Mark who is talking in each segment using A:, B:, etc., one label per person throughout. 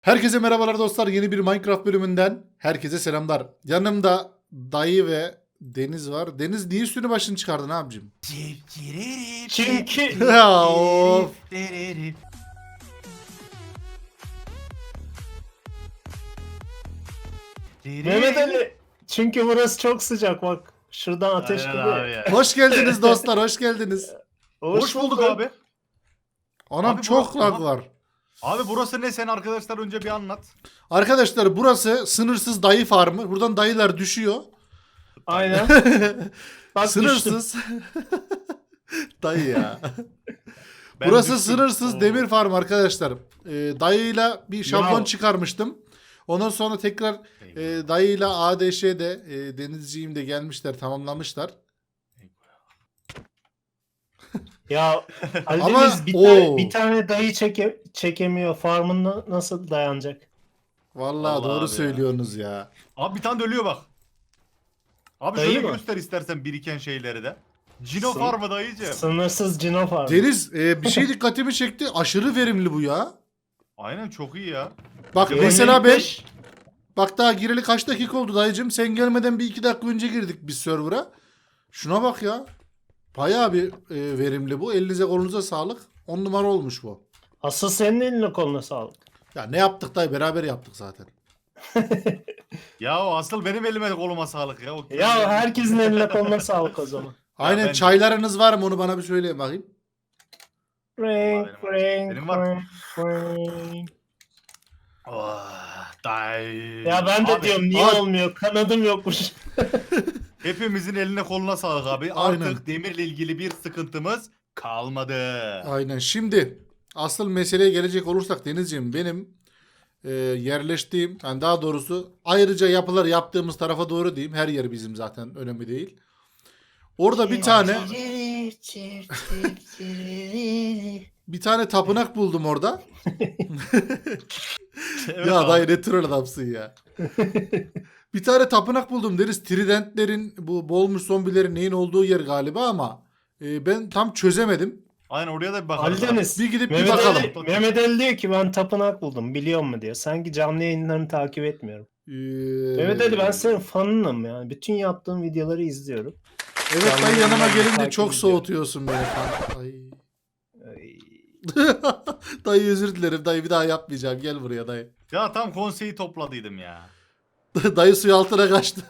A: Herkese merhabalar dostlar. Yeni bir Minecraft bölümünden herkese selamlar. Yanımda dayı ve Deniz var. Deniz niye üstünü başını çıkardın abicim?
B: Çünkü
A: Ya of.
B: Mehmet Ali, çünkü burası çok sıcak bak. Şuradan ateş
C: Aynen
B: geliyor.
C: abi ya.
A: Hoş geldiniz dostlar. Hoş geldiniz.
C: Hoş bulduk abi.
A: Anam
C: Abi
A: çok
C: bu-
A: lag
C: Aha.
A: var.
C: Abi burası ne, sen arkadaşlar önce bir anlat.
A: Arkadaşlar burası sınırsız dayı farmı. Buradan dayılar düşüyor.
B: Aynen. Bak düştüm.
A: Sınırsız. Dayı ya.
C: Ben
A: Burası
C: düştüm.
A: sınırsız
C: Oo.
A: demir farm arkadaşlar. Dayıyla bir şablon
B: Ya.
A: çıkarmıştım. Ondan sonra tekrar dayıyla ADŞ'de Denizciğim de gelmişler, tamamlamışlar.
B: Ya Ali
A: Ama-
B: Deniz
A: Oo.
B: bir tane dayı çekemiyor. Farmında nasıl dayanacak?
A: Vallahi
C: Vallahi
A: doğru
C: abi ya.
A: söylüyorsunuz ya.
C: Abi bir tane de ölüyor bak. Abi
B: Dayı
C: şöyle
B: mı?
C: göster istersen biriken şeyleri de. Cino
B: Sın-
C: farmı dayıcım.
B: Sınırsız cino farmı.
A: Deniz bir şey dikkatimi çekti. Aşırı verimli bu ya.
C: Aynen, çok iyi ya.
A: Bak
B: Yönelik
A: mesela ben
B: beş-
A: bak daha gireli kaç dakika oldu dayıcım. Sen gelmeden bir 2 dakika önce girdik biz server'a. Şuna bak ya. Bayağı bir verimli bu. Elinize kolunuza sağlık. 10 numara olmuş bu.
B: Asıl senin eline koluna sağlık.
A: Ya ne yaptık dayı, beraber yaptık zaten.
C: Ya o asıl benim elime koluma sağlık ya.
B: Ya herkesin eline koluna sağlık o zaman.
A: Aynen,
C: ben-
A: çaylarınız var mı, onu bana bir söyleyin bakayım.
B: Ring,
C: Benim
B: ring,
C: var.
B: ring, ring.
C: Oh, dayı.
B: Ya ben de
C: Abi,
B: diyorum niye
A: abi-
B: olmuyor? Kanadım yokmuş.
C: hepimizin eline koluna sağlık abi.
A: Aynen.
C: Artık demirle ilgili bir sıkıntımız kalmadı.
A: Aynen. Şimdi asıl meseleye gelecek olursak Denizciğim, benim yerleştiğim, yani daha doğrusu ayrıca yapılar yaptığımız tarafa doğru diyeyim. Her yer bizim zaten, önemli değil. Orada bir tane tapınak buldum orada.
C: Evet
A: Ya
C: abi.
A: dayı ne troll adamsın ya. Bir tane tapınak buldum deriz. Tridentlerin, bu boğulmuş zombilerin neyin olduğu yer galiba ama ben tam çözemedim.
C: Aynen, oraya da bir bakalım.
B: Ali Deniz.
A: Bir gidip bir
B: Mehmet
A: bakalım.
B: Ali, Mehmet Ali diyor ki ben tapınak buldum biliyor musun diyor. Sanki canlı yayınlarını takip etmiyorum. Mehmet Ali, ben senin fanınım yani. Bütün yaptığın videoları izliyorum.
A: Evet
B: Canlı
A: dayı, yanıma
B: yayınlarını
A: gelince
B: takip
A: çok
B: ediyorum.
A: soğutuyorsun beni falan. Ay.
B: Ay.
A: Dayı özür dilerim dayı, bir daha yapmayacağım. Gel buraya dayı.
C: Ya tam konseyi topladıydım ya.
A: Dayı suyu altına kaçtı.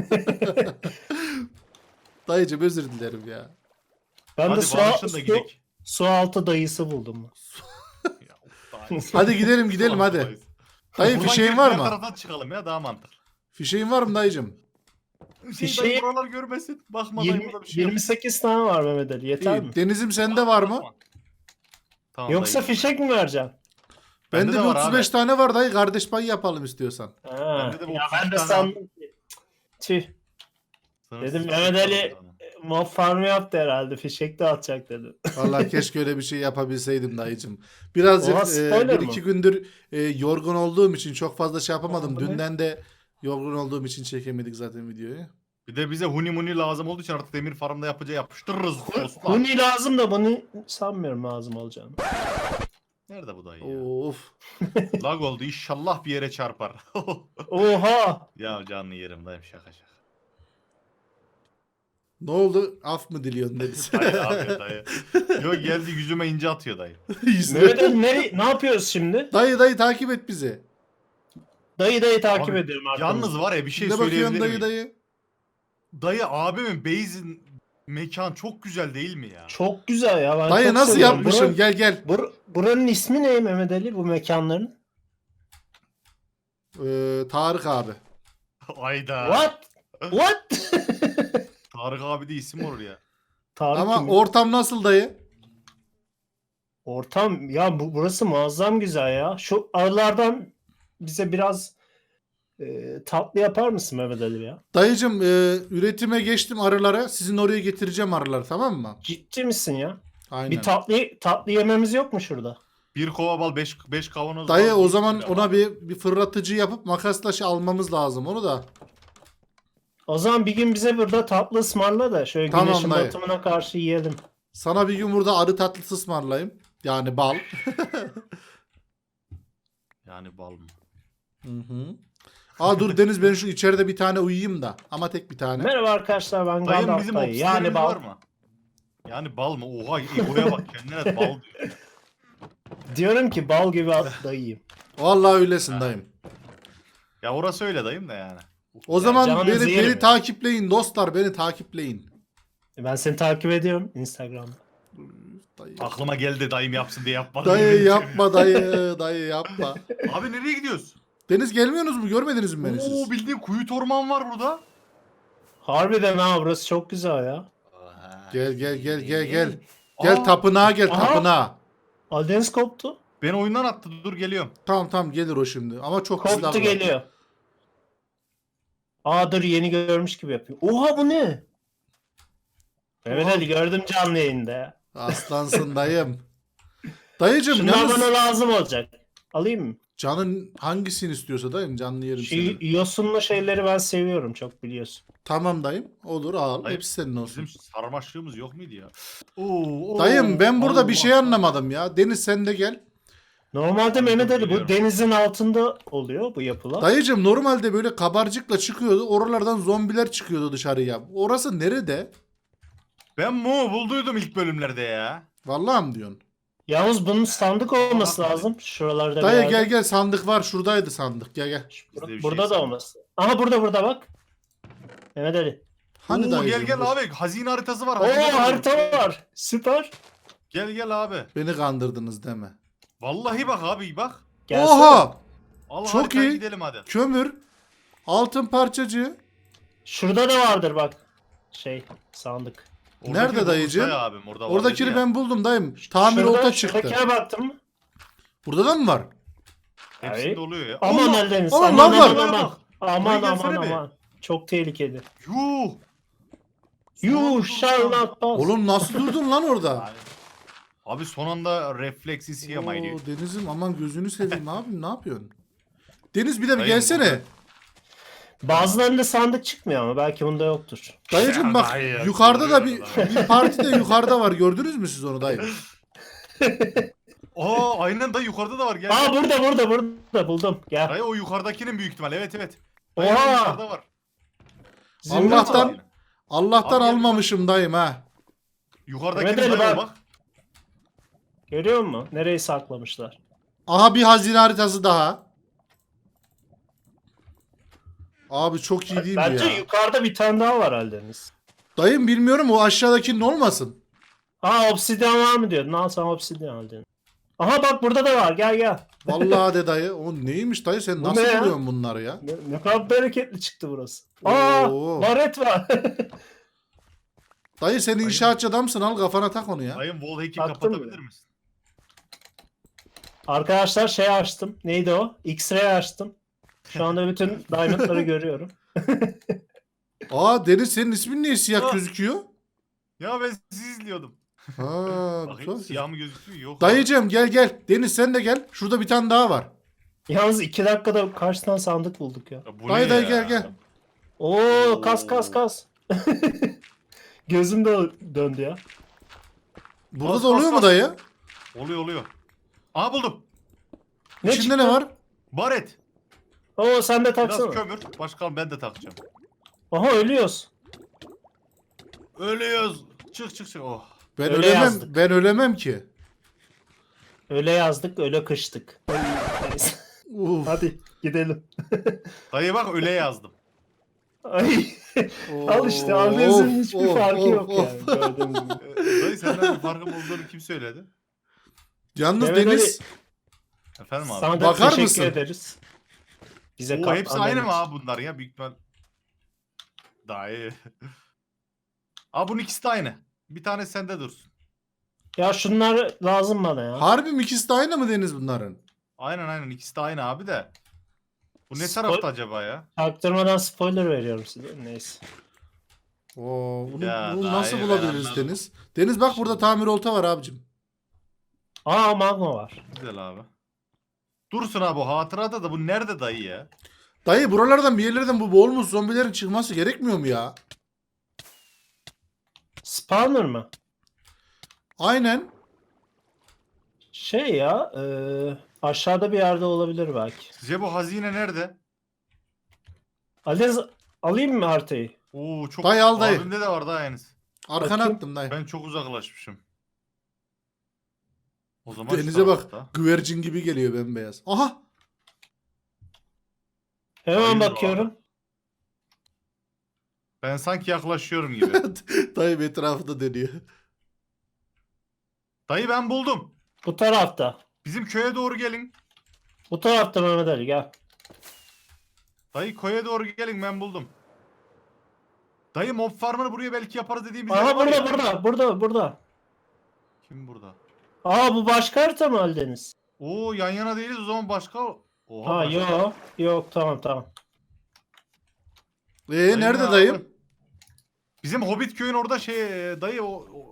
A: Dayıcım özür dilerim ya.
B: Ben de
C: Hadi barışın da gidelim.
B: su altı dayısı buldum.
C: Ya, of, dayı.
A: Hadi gidelim gidelim hadi. Dayı
C: Buradan
A: fişeğin
C: gelip
A: var
C: diğer
A: mı?
C: taraftan çıkalım ya, daha mantıklı.
A: Fişeğin var mı dayıcım?
C: Şey, dayı buralar görmesin. Bakma dayı, burada bir şey yok.
B: 28 tane var Mehmet Ali. Yeter mi?
A: İyi. Denizim sende var mı?
C: Tamam,
B: Yoksa
C: dayı.
B: fişek mi vereceksin?
A: Bende
C: Bende
A: bir
C: de var
A: 35
C: abi.
A: tane var dayı, kardeş payı yapalım istiyorsan.
B: Ha.
C: Bende de bu
B: Ya
C: 32
B: ben de
C: tane
B: sandım ki. Tüh.
C: Sınırsız
B: Dedim
C: fişek
B: Mehmet
C: var
B: Ali
C: burada.
B: mob farmı yaptı herhalde. Fişek de atacak dedim.
A: Vallahi keşke öyle bir şey yapabilseydim dayıcım. Birazcık
B: Oha, spoiler
A: bir
B: mı?
A: iki gündür yorgun olduğum için çok fazla şey yapamadım.
B: Oha, bu ne?
A: Dünden de yorgun olduğum için çekemedik zaten videoyu.
C: Bir de bize huni muni lazım olduğu için artık demir farmda yapıştırırız dostlar.
B: Huni lazım da bunu sanmıyorum lazım olacağını.
C: Nerede bu dayı ya?
A: Of.
C: Lag oldu, inşallah bir yere çarpar.
B: Oha!
C: Ya canlı yerim dayım, şaka şaka.
A: Ne oldu? Af mı diliyorsun Deniz?
C: Dayı abi dayı. Yok, geldi yüzüme ince atıyor dayı.
A: Yüzüne-
B: Mehmet Ali ne yapıyoruz şimdi?
A: Dayı takip et bizi.
B: Dayı takip
C: Abi,
B: ediyorum arkamızda.
C: Yalnız var ya, bir şey
A: Ne bakıyorsun
C: söyleyebilir
A: dayı
C: miyim?
A: dayı?
C: Dayı abimin base'in mekan çok güzel değil mi ya?
B: Çok güzel ya. Ben
A: Dayı
B: çok
A: nasıl
B: seviyorum.
A: yapmışsın? Gel gel.
B: Buranın ismi ne Mehmet Ali, bu mekanların?
A: Tarık abi.
C: Ayda.
B: What? What?
C: Tarık abi de isim olur ya.
B: Tarık
A: Ama
B: kim?
A: ortam nasıl dayı?
B: Ortam ya, burası muazzam güzel ya. Şu aralardan bize biraz tatlı yapar mısın Mehmet Ali ya?
A: Dayıcım üretime geçtim arılara. Sizin oraya getireceğim arıları, tamam mı?
B: Ciddi misin ya?
A: Aynen.
B: Bir tatlı yememiz yok mu şurada?
C: Bir kova bal, 5 kavanoz
A: Dayı
C: bal,
A: o
C: bir
A: zaman
C: kilo
A: ona
C: bal.
A: bir fırlatıcı yapıp makasla şey almamız lazım onu da.
B: O zaman bir gün bize burada tatlı ısmarla da şöyle
A: Tamam
B: güneşin
A: dayı.
B: batımına karşı yiyelim.
A: Sana bir gün burada arı tatlısı ısmarlayayım. Yani bal.
C: Yani bal mı?
A: Hı hı. Aa dur Deniz, ben şu içeride bir tane uyuyayım da. Ama tek bir tane.
B: Merhaba arkadaşlar, ben
C: Dayım
B: Gandalf
C: bizim
B: dayı. Yani
C: obsidiyenimiz
B: bal.
C: var mı? Yani bal mı? Oha egoya bak, kendine bal diyor.
B: Diyorum ki bal gibi dayıyım.
A: Vallahi öylesin
C: Ha.
A: dayım.
C: Ya orası öyle dayım da yani.
A: O zaman
B: canınızı
A: beni
B: yerim ya.
A: takipleyin dostlar, beni takipleyin.
B: Ben seni takip ediyorum Instagram'da.
A: Dayı,
C: Aklıma geldi dayım yapsın diye yapmadım.
A: dayı
C: yemin ediyorum.
A: yapma dayı, dayı yapma.
C: Abi nereye gidiyoruz?
A: Deniz gelmiyorsunuz mu? Görmediniz mi beni siz?
C: Oo, bildiğin kuyu orman var burada.
B: Harbiden ha, burası çok güzel ya.
A: Gel gel gel gel gel. Gel
C: Aa,
A: tapınağa gel,
B: Aha.
A: tapınağa.
B: Aldeniz koptu.
C: beni oyundan attı, dur geliyorum.
A: Tamam tamam gelir o şimdi. Ama çok
B: Koptu
A: silah var.
B: geliyor. Aa dur, yeni görmüş gibi yapıyor. Oha bu ne? Mehmet
A: Oha.
B: Ali gördüm canlı yayında ya.
A: Aslansın dayım. Dayıcım
B: Şunlar
A: yalnız
B: bana lazım olacak. Alayım mı?
A: canın hangisini istiyorsa dayım, canlı yerim
B: Şu
A: seni.
B: yosunlu şeyleri ben seviyorum, çok biliyorsun.
A: Tamam dayım. Olur al.
C: Dayım,
A: Hepsi senin olsun.
C: Bizim sarmaşlığımız yok muydu ya? Oo,
A: Dayım ben burada bir
C: Allah.
A: şey anlamadım ya. Deniz sen de gel.
B: Normalde Mehmet Ali bu
C: biliyorum.
B: denizin altında oluyor bu yapılar.
A: Dayıcım normalde böyle kabarcıkla çıkıyordu. Oralardan zombiler çıkıyordu dışarıya. Orası nerede?
C: Ben mu bulduydum ilk bölümlerde ya.
A: Vallahi mi diyorsun?
B: Yalnız bunun sandık olması
C: Bak,
B: lazım. Şuralarda bir
A: Dayı
B: yerde.
A: gel gel, sandık var. Şuradaydı sandık. Gel gel.
C: Bizde bir
B: Burada
C: şey
B: da
C: sandık.
B: olması. Aha burada bak. Mehmet Ali.
A: Hani
C: Oo,
A: dayıcım?
C: gel
A: dur.
C: abi, hazine haritası var.
B: Oo,
C: hazine
B: harita
C: haritası.
B: var. Süper.
C: Gel abi.
A: Beni kandırdınız deme.
C: Vallahi bak abi bak.
B: Gelsene.
A: Oha!
C: Al
A: Çok
C: haritaya
A: iyi.
C: gidelim hadi.
A: Kömür. Altın parçacığı.
B: Şurada da vardır bak. Şey, sandık.
A: Nerede dayıcığım?
C: Bursa'ya abim, orada var
A: Oradakini
C: dedi ya.
A: ben buldum dayım. Tamir olta çıktı.
B: Şuradakine baktın mı?
A: Burada da mı var?
C: Hepsinde
B: Hayır.
C: oluyor ya.
B: Aman
C: Allah!
B: Eldeniz.
A: Aman,
B: Aman
A: lan var.
B: aman aman. Aman
C: Buraya gelsene
B: aman
C: be.
B: aman. Çok tehlikeli.
C: Yuh!
B: You shall not pass.
A: Oğlum nasıl durdun lan orada?
C: Abi, abi son anda refleksi siyamaydı.
A: Oo, Deniz'im aman gözünü seveyim abim, ne yapıyorsun? Deniz bir de bir
C: Dayım,
A: gelsene.
C: burada.
B: Bazılarında sandık çıkmıyor ama belki bunda yoktur.
A: Dayıcım bak
C: Hayır,
A: yukarıda da
C: duruyor
A: bir parti de yukarıda var. Gördünüz mü siz onu dayım?
C: Aa, aynen dayı, yukarıda da var, gel.
B: Aa burada buldum. Gel.
C: Dayı o yukarıdakinin büyük ihtimal, evet. Dayı
B: Oha!
C: o yukarıda var.
B: Zümrüt
A: Allah'tan-
B: var.
A: Allah'tan
C: Abi gel,
A: almamışım dayım ha.
C: Yukarıdakinin
B: Evet,
C: dayı o
B: bak.
C: bak.
B: Görüyor musun? Nereyi saklamışlar?
A: Aha bir hazine haritası daha. Abi çok iyi değil mi
B: Bence
A: ya?
B: yukarıda bir tane daha var Eldeniz.
A: Dayım bilmiyorum, o aşağıdakinin olmasın.
B: Aa, obsidyen var mı diyordun? Al sana obsidyen aldın. Aha bak burada da var. Gel.
A: Vallahi de dayı. O neymiş dayı, sen
B: Bu
A: nasıl
B: ne ya?
A: buluyorsun bunları ya?
B: Ne kadar bereketli çıktı burası. Aa,
A: Oo.
B: baret var.
A: Dayı sen inşaatçı adamsın, al kafana tak onu ya.
C: Dayım wallhack'i
B: Taktın
C: kapatabilir
B: mı?
C: misin?
B: Arkadaşlar şey açtım. Neydi o? X-ray açtım. Şu anda bütün diamondları görüyorum.
A: Aa Deniz, senin ismin niye siyah
C: Ah.
A: gözüküyor?
C: Ya ben sizi izliyordum.
A: Ha,
C: Bakayım
A: güzel.
C: siyah mı gözüküyor? Yok.
A: Dayıcığım gel. Deniz sen de gel. Şurada bir tane daha var.
B: Yalnız 2 dakikada kaç tane sandık bulduk ya.
C: Ya bu
A: Dayı
C: ne
A: dayı
C: ya?
A: gel.
B: Oo, kas. Gözüm de döndü ya.
A: Burada
C: Bas,
A: da oluyor
C: bas,
A: mu
C: bas.
A: dayı?
C: Oluyor. Aha buldum.
B: Ne
A: İçinde
B: çıktı?
A: ne var?
C: Baret.
B: Oo, sen de
C: Biraz
B: taksana.
C: kömür. Başka ben de takacağım.
B: Aha, ölüyoruz.
C: Ölüyoruz. Çık. Oh.
A: Ben
B: Öyle
A: ölemem.
B: yazdık.
A: Ben ölemem ki.
B: Öyle yazdık, öyle kıştık. Neyse.
A: Uf.
B: Hadi gidelim.
C: Dayı bak öyle yazdım.
B: Ay. Al işte, Aldeniz'in hiçbir farkı yok
A: of.
B: yani. Gördüğünüz gibi.
C: Dayı senden bir farkım olduğunu kim söyledi?
A: Yalnız
B: Mehmet
A: Deniz
C: Efendim abi.
B: Sana da
A: Bakar
B: teşekkür
A: mısın?
B: ederiz. Bize
C: Oo,
B: katlandığın
C: hepsi aynı mı
B: için.
C: abi bunlar ya? Büyük ihtimal. Dayı. Abi bunun ikisi de aynı. Bir tane sende dursun.
B: Ya şunlar lazım bana ya.
A: harbi mi, ikisi de aynı mı Deniz bunların?
C: Aynen ikisi de aynı abi de. Bu ne
B: Spoil-
C: tarafta acaba ya?
B: Taktırmadan spoiler veriyorum size. Neyse.
A: Oo, bunu
C: Ya
A: nasıl
C: dayı,
A: bulabiliriz
C: ben anladım.
A: Deniz? Deniz bak burada tamir olta var abicim.
B: Aa, magma var.
C: Güzel abi. Dursun abi, bu hatırada da bu nerede dayı ya?
A: Dayı buralardan bir yerlerden bu boğulmuş zombilerin çıkması gerekmiyor mu ya?
B: Spawner mı?
A: Aynen.
B: Şey ya. Aşağıda bir yerde olabilir belki.
C: Sizce bu hazine nerede?
B: Aldeniz alayım mı haritayı?
C: Oo çok.
A: Dayı al dayı.
C: Abimde de var daha Enes.
A: Arkana
B: Bakayım.
A: attım dayı.
C: Ben çok uzaklaşmışım. O zaman şu
A: Denize bak.
C: tarafta.
A: Güvercin gibi geliyor bembeyaz. Aha.
B: Hemen
C: Hayır
B: bakıyorum.
C: Ben sanki yaklaşıyorum gibi.
A: Dayı etrafında dönüyor.
C: Dayı ben buldum.
B: Bu tarafta.
C: Bizim köye doğru gelin.
B: Bu tarafta Mehmet Ali gel.
C: Dayı köye doğru gelin ben buldum. Dayı mob farmını buraya belki yaparız dediğimiz yer
B: Aha
C: var ya.
B: burada.
C: Kim burada?
B: Aa bu başka harita mı Aldeniz?
C: Oo yan yana değiliz o zaman başka. Oha,
B: Ha
C: başka.
B: yok tamam.
C: Dayı
A: Nerede
C: ne
A: dayım?
C: abi? Bizim Hobbit köyün orada dayı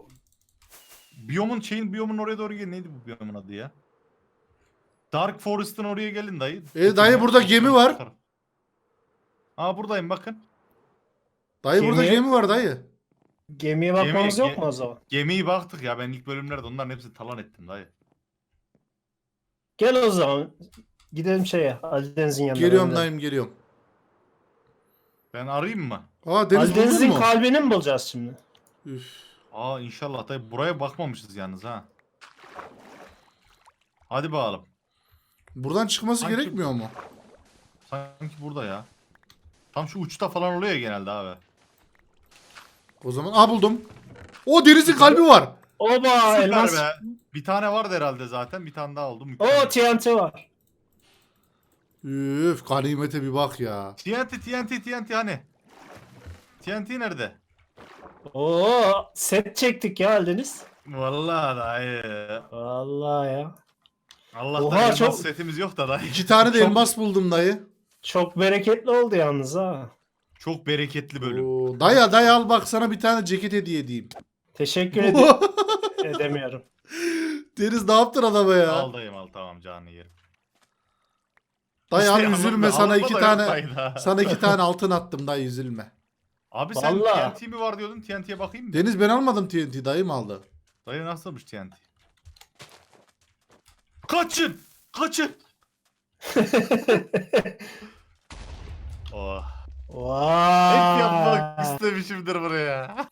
C: biyomun oraya doğru gelin. Neydi bu biyomun adı ya? Dark Forest'ın oraya gelin dayı.
A: Dayı burada gemi var.
C: Aa buradayım bakın.
A: Dayı burada
B: Gemi-
A: gemi var dayı.
B: Gemiye bakmamız
C: Gemi-
B: yok mu o zaman?
C: Gemiyi baktık ya ben ilk bölümlerde onların hepsini talan ettim dayı.
B: Gel o zaman. Gidelim Aldeniz'in yanına.
A: Geliyorum
B: Mehmet Ali.
A: dayım geliyorum.
C: Ben arayayım mı?
A: Aa deniz buldun
B: Aldeniz'in
A: mu?
B: kalbini mi bulacağız şimdi?
A: Üf.
C: Aa inşallah dayı buraya bakmamışız yalnız ha. Hadi bakalım.
A: Buradan çıkması
C: Sanki-
A: gerekmiyor mu?
C: Sanki burada ya. Tam şu uçta falan oluyor ya genelde abi.
A: O zaman buldum. O denizin kalbi var.
B: Oba
C: Süper
B: elmas.
C: be. Bir tane vardı herhalde zaten. Bir tane daha oldu.
B: O
C: Mükemmel.
B: TNT var.
A: Üf ganimete bir bak ya.
C: TNT hani? TNT nerede?
B: Oo set çektik ya Aldeniz.
C: Vallahi dayı.
B: Vallahi ya.
C: Allah'tan
B: Oha,
C: elmas
B: çok-
C: setimiz yok da dayı.
A: 2 tane de
B: Çok-
A: elmas buldum dayı.
B: Çok bereketli oldu yalnız ha.
C: Çok bereketli bölüm.
A: Oo, dayı al bak sana bir tane ceket hediye edeyim.
B: Teşekkür edemiyorum.
A: Deniz ne yaptın adama ya?
C: Al dayım al tamam canını yerim.
A: Dayı al
C: İşte
A: üzülme
C: alınma-
A: sana
C: alınma
A: 2
C: da yok
A: tane
C: dayıda.
A: sana 2 tane altın attım dayı üzülme.
C: Abi sen
B: Vallahi.
C: TNT mi var diyordun? TNT'ye bakayım mı?
A: Deniz ben almadım TNT dayım aldı.
C: Dayı nasılmış TNT? Kaçın! Kaçın! Oh. Hep yapmak
B: Vay.
C: istemişimdir buraya.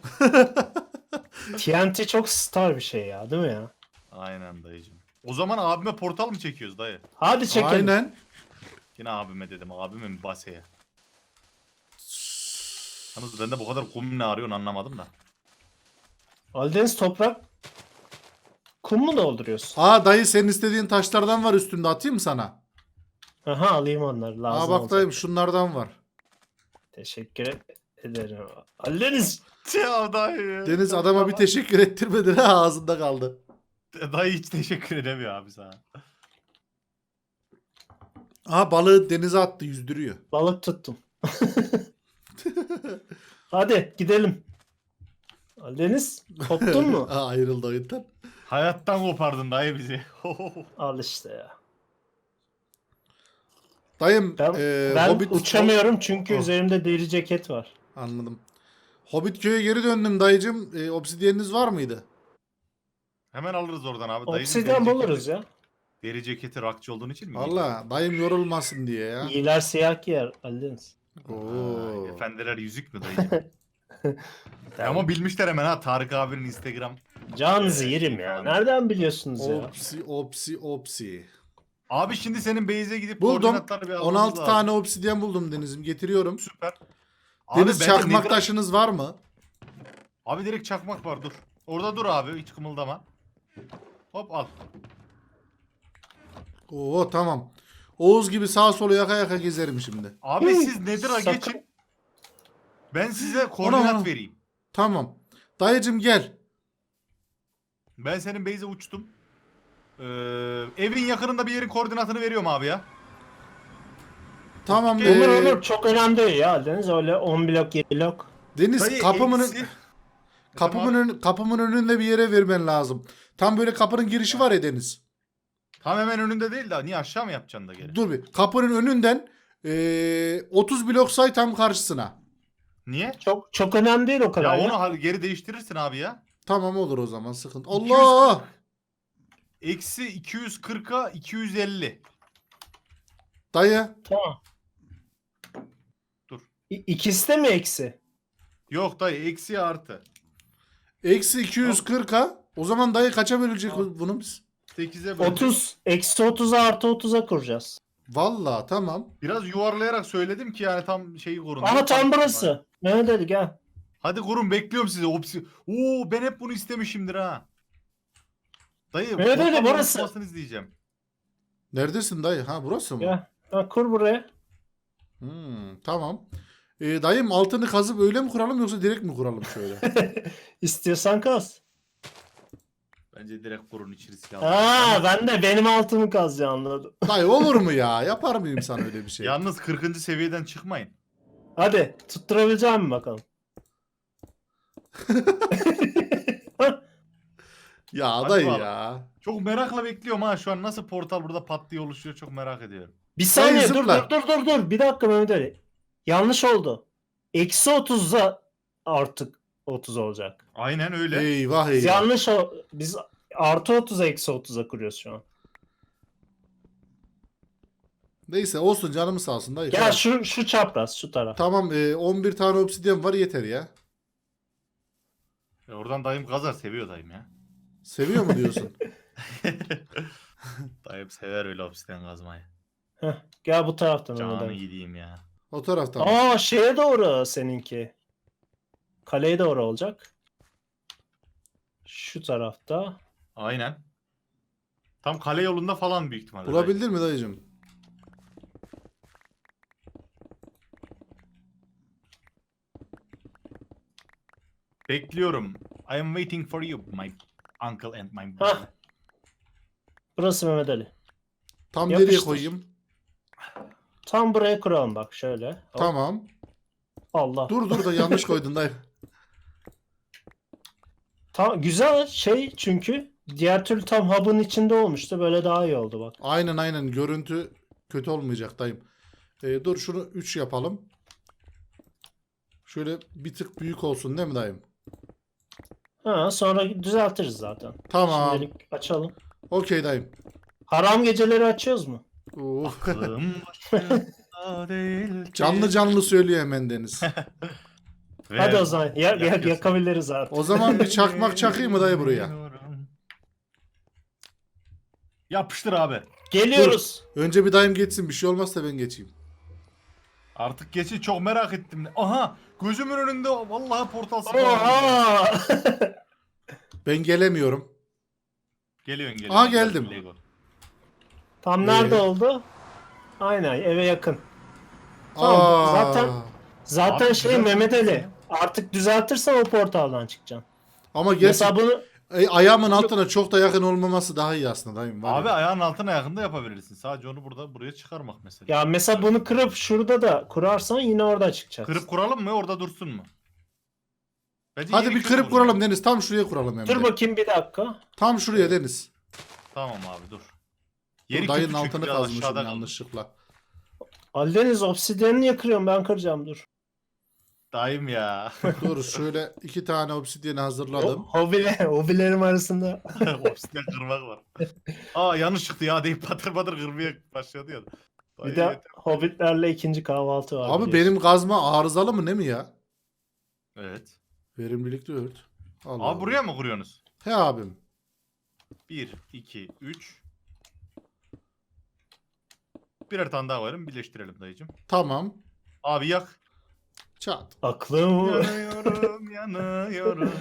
B: TNT çok star bir şey ya değil mi ya?
C: Aynen dayıcım. O zaman abime portal mı çekiyoruz dayı?
B: Hadi çekelim.
A: Aynen.
C: Yine abime dedim. Abime mi baseye? Yalnız ben de bu kadar kum ne arıyorsun anlamadım da.
B: Aldeniz toprak. Kum mu dolduruyorsun?
A: Dayı senin istediğin taşlardan var üstünde atayım mı sana?
B: Aha alayım onları lazım
A: Bak
B: olacak.
A: dayım şunlardan var.
B: Teşekkür ederim. Aldeniz.
C: Ya dayı.
A: Deniz adama bir teşekkür ettirmedin ha ağzında kaldı.
C: Dayı hiç teşekkür edemiyor abi sana.
A: Balığı denize attı yüzdürüyor.
B: Balık tuttum. Hadi gidelim. Aldeniz koptun mu?
A: Ayrıldı oyundan.
C: Hayattan kopardın dayı bizi.
B: Al işte ya.
A: Dayım
B: Ben
A: Hobbit
B: uçamıyorum çünkü
A: Oh.
B: üzerimde deri ceket var.
A: Anladım. Hobbit köy'e geri döndüm dayıcım. Obsidyeniniz var mıydı?
C: Hemen alırız oradan abi. Dayının
B: Obsidyen
C: deri
B: buluruz
C: ceketi-
B: ya.
C: Deri ceketi rakçı olduğun için mi?
A: Valla dayım yorulmasın diye ya.
B: İyiler siyah giyer Aldeniz.
A: Oo.
C: Efendiler yüzük mü dayı? Ama bilmişler hemen ha Tarık abinin Instagram.
B: Can zihirim ya.
C: falan.
B: Nereden biliyorsunuz ya?
A: Opsi.
C: Abi şimdi senin base'e gidip
A: Buldum.
C: koordinatları bir almamız
A: 16
C: lazım.
A: tane obsidyen buldum Deniz'im. Getiriyorum.
C: Süper. Abi
A: Deniz
C: bende
A: çakmak
C: nether-
A: taşınız var mı?
C: Abi direkt çakmak var dur. Orada dur abi hiç kımıldama. Hop al.
A: Oo tamam. Oğuz gibi sağa sola yaka yaka gezerim şimdi.
C: Abi
B: Hı,
C: siz Nether'a
B: sakın.
C: geçin. Ben size koordinat
A: Ona.
C: vereyim.
A: Tamam. Dayıcım gel.
C: Ben senin base'e uçtum. Evin yakınında bir yerin koordinatını veriyorum abi ya.
A: Tamam.
B: Olur çok önemli değil ya Aldeniz. Öyle 10 blok 7 blok.
A: Deniz
C: Dayı,
A: kapımın
C: eksi-
A: kapımın önünde bir yere vermen lazım. Tam böyle kapının girişi var ya Deniz.
C: Tam hemen önünde değil de niye aşağı mı yapacaksın da geri?
A: Dur bir. Kapının önünden 30 blok say tam karşısına.
C: Niye?
B: Çok önemli değil o kadar
C: Ya
B: ya.
C: onu geri değiştirirsin abi ya.
A: Tamam olur o zaman sıkıntı.
C: 200
A: Allah!
C: Eksi 240'a 250.
A: Dayı.
B: Tamam.
C: Dur.
B: İkisi de mi eksi?
C: Yok dayı eksi artı.
A: Eksi 240'a. O zaman dayı kaça bölecek
C: Tamam.
A: bunu biz?
C: 8'e böl.
B: 30. Eksi 30'a artı 30'a kuracağız.
A: Valla tamam.
C: Biraz yuvarlayarak söyledim ki yani tam şeyi kurun.
B: Aha tam burası. Mehmet Ali gel.
C: Hadi kurun bekliyorum sizi. Oo ben hep bunu istemişimdir ha. Dayı
B: Mehmet Ali,
C: portal
B: burası.
C: yansımasını izleyeceğim.
A: Neredesin dayı? Ha burası mı?
B: Gel. Ha, kur buraya.
A: Tamam. Dayım altını kazıp öyle mi kuralım yoksa direkt mi kuralım şöyle?
B: İstiyorsan kaz.
C: Bence direkt kurun içi riski
B: Ha ben de benim altımı kazacağım anladım.
A: Dayı olur mu ya? Yapar mıyım sana öyle bir şey?
C: Yalnız 40. seviyeden çıkmayın.
B: Hadi tutturabilecek misin bakalım?
A: Ya
C: Hadi
A: dayı
C: bakalım.
A: ya.
C: Çok merakla bekliyorum ha şu an nasıl portal burada pat diye oluşuyor çok merak ediyorum.
B: Bir saniye dur
A: zıpla.
B: dur. Bir dakika Mehmet Ali. Yanlış oldu. Eksi 30'a artık 30 olacak.
C: Aynen öyle.
A: Eyvah
B: Biz
A: eyvah.
B: yanlış biz artı 30'a eksi 30'a kuruyoruz şu an.
A: Neyse olsun canımı sağ olsun dayı.
B: Gel
A: Tamam.
B: şu çapraz şu taraf.
A: Tamam 11 tane obsidyen var yeter ya.
C: Oradan dayım kazar seviyor dayım ya.
A: Seviyor mu diyorsun?
C: Dayım sever öyle obsidian kazmayı.
B: Heh, gel bu taraftan Mehmet
C: Canı
B: Ali.
C: gideyim ya.
A: O taraftan.
B: Aa şeye doğru seninki. Kaleye doğru olacak. Şu tarafta.
C: Aynen. Tam kale yolunda falan büyük ihtimalle. dayı.
A: Bulabildin mi dayıcım?
C: Bekliyorum. I am waiting for you my uncle and my brother.
B: Hah. Burası Mehmet Ali.
A: Tam
B: Yapıştır.
A: nereye koyayım?
B: Tam buraya kuralım bak şöyle. Hop.
A: Tamam.
B: Allah.
A: Dur da yanlış koydun dayı.
B: Güzel şey çünkü diğer türlü tam hub'ın içinde olmuştu. Böyle daha iyi oldu bak.
A: Aynen görüntü kötü olmayacak dayım. Dur şunu 3 yapalım. Şöyle bir tık büyük olsun değil mi dayım?
B: Ha, sonra düzeltiriz zaten.
A: Tamam.
B: Şimdilik açalım.
A: Okey dayım.
B: Haram geceleri açıyoruz mu?
A: Uf.
C: Aklım başında değil ki.
A: Canlı söylüyor hemen Deniz.
C: Ve
B: Hadi o zaman
C: yakıyorsun.
B: yakabiliriz artık.
A: O zaman bir çakmak çakayım mı dayı buraya?
C: Yapıştır abi.
B: Geliyoruz.
A: Önce bir dayım geçsin bir şey olmazsa ben geçeyim.
C: Artık geçin çok merak ettim. Aha gözümün önünde vallahi portal spawn.
B: Oha!
A: Ben gelemiyorum.
C: Geliyorsun.
A: Aha, geldim.
C: Lego.
B: Tam nerede
A: Ee?
B: oldu? Aynen eve yakın. Tamam,
A: Aa.
B: Zaten
C: Abi,
B: şey
C: güzel
B: Mehmet
C: şey.
B: Ali artık düzeltirsen o portaldan çıkacaksın.
A: Ama
B: Mesela
A: gerçi
B: bunu
A: ayağımın altına çok da yakın olmaması daha iyi aslında dayım. Var
C: Abi
A: ya.
C: ayağın altına yakında yapabilirsin. Sadece onu buraya çıkarmak mesela.
B: ya mesela bunu kırıp şurada da kurarsan yine orada çıkacaksın.
C: Kırıp kuralım mı orada dursun mu? Bence
A: Hadi
C: yeri
A: bir
C: kötü
A: kırıp
C: olur
A: kuralım
C: ya.
A: Deniz. Tam şuraya kuralım hem
B: Dur
A: de.
B: bakayım bir dakika.
A: Tam şuraya Deniz.
C: Tamam abi dur.
A: Dur,
C: Yeri
A: dayının
C: kötü çünkü
A: altını
C: biraz
A: kazmışım
C: aşağıda kaldı.
A: yanlışlıkla.
B: Aldeniz obsidyenini niye kırıyorum ben kıracağım dur.
C: Dayım ya.
A: Dur şöyle 2 tane obsidyeni hazırladım.
B: Hobilerim arasında.
C: Obsidian kırmak var. Aa yanlış çıktı ya deyip patır patır kırmaya başladı ya.
B: Bir
C: Dayı
B: de
C: yeter.
B: hobbitlerle ikinci kahvaltı var.
A: Abi
B: biliyorsun.
A: benim kazma arızalı mı ne mi ya?
C: Evet.
A: Verimlilik 4. Allah
C: Abi buraya mı kuruyorsunuz?
A: He abim.
C: 1, 2, 3. Birer tane daha varım birleştirelim dayıcım.
A: Tamam.
C: Abi yak.
A: Çat.
B: Aklım.
C: Yanıyorum yanıyorum.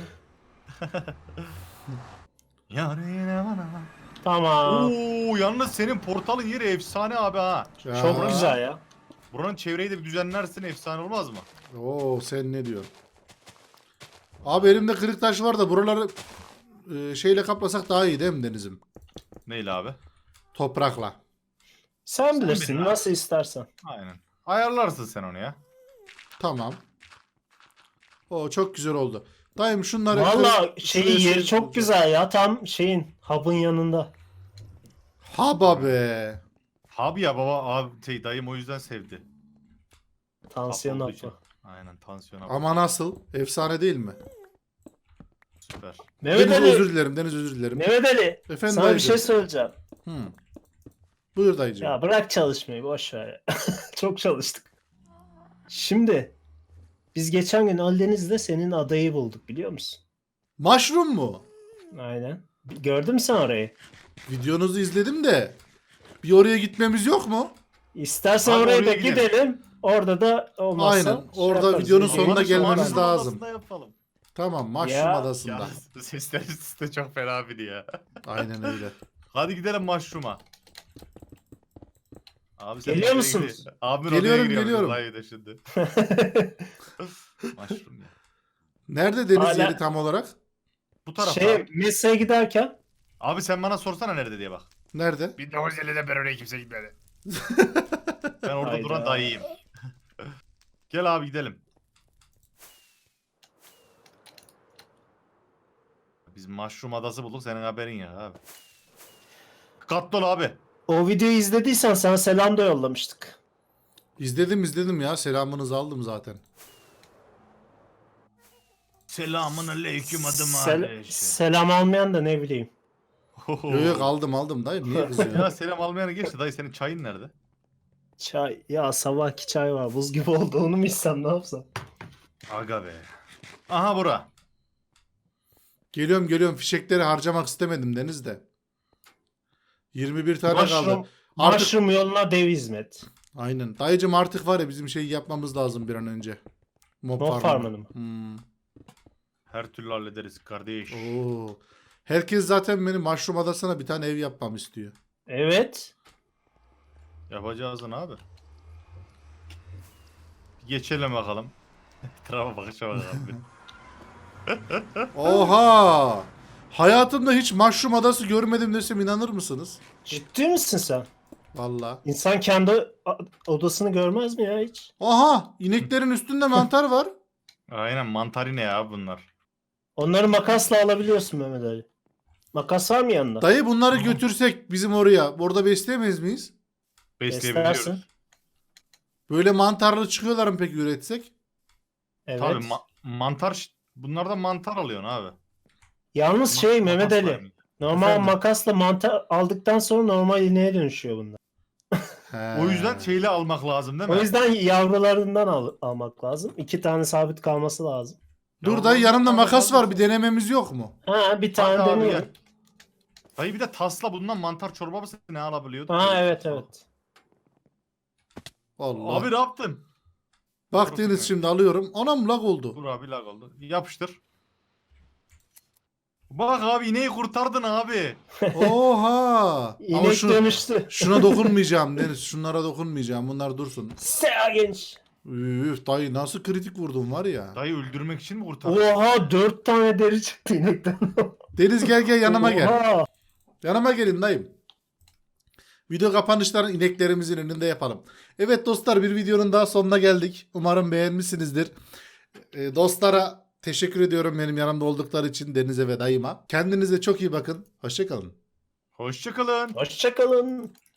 C: Yar yine bana.
B: Tamam.
C: Oo yalnız senin portalın yeri efsane abi ha.
A: Ya.
B: Çok güzel ya.
C: Buranın çevreyi de bir düzenlersin efsane olmaz mı?
A: Oo sen ne diyorsun? Abi elimde kırık taş var da buraları şeyle kaplasak daha iyi değil mi Deniz'im?
C: Neyle abi?
A: Toprakla.
B: Sen bilirsin
C: bilin
B: nasıl istersen.
C: Aynen. Ayarlarsın sen onu ya.
A: Tamam. O çok güzel oldu. Dayım şunları
B: Valla
A: şuraya
B: şeyi yeri çok
A: koyacağım.
B: güzel ya. Tam şeyin hub'ın yanında.
A: Haba be.
C: Abi ya baba abi dayım o yüzden sevdi.
B: Tansiyon
C: Hap olduğu için.
B: hapı.
C: Aynen tansiyon hapı.
A: Ama nasıl? Efsane değil mi?
C: Süper.
B: Mehmet
A: Deniz
B: Ali.
A: özür dilerim. Deniz özür dilerim.
B: Mehmet Ali.
A: Efendim
B: Sana bir
A: dayıcım.
B: şey söyleyeceğim.
A: Hı. Buyur dayıcım.
B: Ya bırak çalışmayı boş ver ya. Çok çalıştık. Şimdi biz geçen gün Aldeniz'de senin adayı bulduk biliyor musun?
A: Mushroom mu?
B: Aynen. Gördün mü sen orayı?
A: Videonuzu izledim de bir oraya gitmemiz yok mu?
B: İstersen
C: Abi
B: oraya
C: oraya
B: da
C: gidelim.
B: gidelim. Orada da olmazsa
A: Aynen. Orada
B: yaparız.
A: videonun
B: Videoyu
A: sonuna
C: Olmadı,
A: gelmemiz
C: Mushroom
A: lazım.
C: Adası'nda yapalım.
A: Tamam. Mushroom
B: Ya.
A: adasında.
C: Ya sesler üstte çok fena biri ya.
A: Aynen öyle.
C: Hadi gidelim Mushroom'a. Abi sen
B: Geliyor
C: nereye
B: musunuz?
C: gidiyorsun? Abimin
A: Geliyorum,
C: odaya giriyoruz
A: geliyorum.
C: vallahi de şimdi. Mushroom ya.
A: Nerede deniz
B: Hala-
A: yeri tam olarak?
C: Bu tarafta.
B: Mesleğe giderken
C: Abi sen bana sorsana nerede diye bak.
A: Nerede?
C: 1950'de ben oraya kimse gitmedi. Ben orada
B: Hayda.
C: duran dayıyım. Gel abi gidelim. Biz Mushroom Adası bulduk senin haberin ya abi. Dikkatli ol abi.
B: o videoyu izlediysen sana selam da yollamıştık.
A: İzledim ya. Selamınızı aldım zaten.
C: Selamun aleyküm adım
B: Selam almayan da ne bileyim.
A: Yok yok aldım dayı. Niye kızıyorsun?
C: Ya selam almayana geçti dayı senin çayın nerede?
B: Çay. Ya sabahki çay var. Buz gibi oldu. Onu mu içsem ne yapsam?
C: Aga be. Aha bura.
A: Geliyorum. Fişekleri harcamak istemedim denizde. 21 tane kaldı.
B: Mushroom,
A: Artık
B: mushroom yoluna dev hizmet.
A: aynen. Dayıcım artık var ya bizim şeyi yapmamız lazım bir an önce. Mob
B: Mob farmını mı?
A: Hmm.
C: Her türlü hallederiz kardeş.
A: Oo. Herkes zaten benim Mushroom Adası'na bir tane ev yapmam istiyor.
B: Evet.
C: Yapacağız lan abi. Geçelim bakalım. Etrafa bakışa bakalım. bir.
A: Oha! Hayatımda hiç Mushroom Adası görmedim desem inanır mısınız?
B: Ciddi misin sen?
A: Vallahi.
B: İnsan kendi odasını görmez mi ya hiç?
A: Aha! İneklerin üstünde mantar var.
C: Aynen mantarine ya bunlar.
B: Onları makasla alabiliyorsun Mehmet Ali. Makas var mı yanında?
A: Dayı bunları götürsek bizim oraya. Orada besleyemeyiz miyiz?
C: Besleyebiliyoruz.
B: Beslersin.
A: Böyle mantarlı çıkıyorlar mı peki üretsek?
B: Evet.
C: Tabii mantar bunlardan mantar alıyorsun abi.
B: Yalnız şey Mehmet
C: Makasla
B: Ali.
C: yani.
B: Normal
A: Efendim?
B: makasla mantar aldıktan sonra normal ineğe dönüşüyor bunlar.
A: He.
C: O yüzden şeyle almak lazım değil mi?
B: O yüzden yavrularından almak lazım. 2 tane sabit kalması lazım.
A: Dur dayı yanımda makas var bir denememiz yok mu?
B: Ha bir
C: Bak
B: tane
C: abi
B: deniyor.
C: gel. Dayı bir de tasla bundan mantar çorbası ne alabiliyordu?
B: Ha evet evet.
A: Allah.
C: Abi ne yaptın?
A: Bak Deniz şimdi alıyorum. Anam lag oldu.
C: Dur abi lag oldu. Yapıştır. Bak abi ineği kurtardın abi.
A: Oha. Ama
B: İnek dönüştü.
A: şuna dokunmayacağım Deniz. Şunlara dokunmayacağım. Bunlar dursun.
B: Sea genç.
A: Üf dayı nasıl kritik vurdun var ya.
C: Dayı öldürmek için mi kurtardın?
B: Oha 4 tane deri çıktı inekten.
A: Deniz gel yanıma gel.
B: Oha.
A: Yanıma gelin dayım. Video kapanışlarını ineklerimizin önünde yapalım. Evet dostlar bir videonun daha sonuna geldik. Umarım beğenmişsinizdir. Dostlara teşekkür ediyorum benim yanımda oldukları için Deniz'e ve dayıma. Kendinize çok iyi bakın. Hoşçakalın.
C: Hoşçakalın.
B: Hoşçakalın.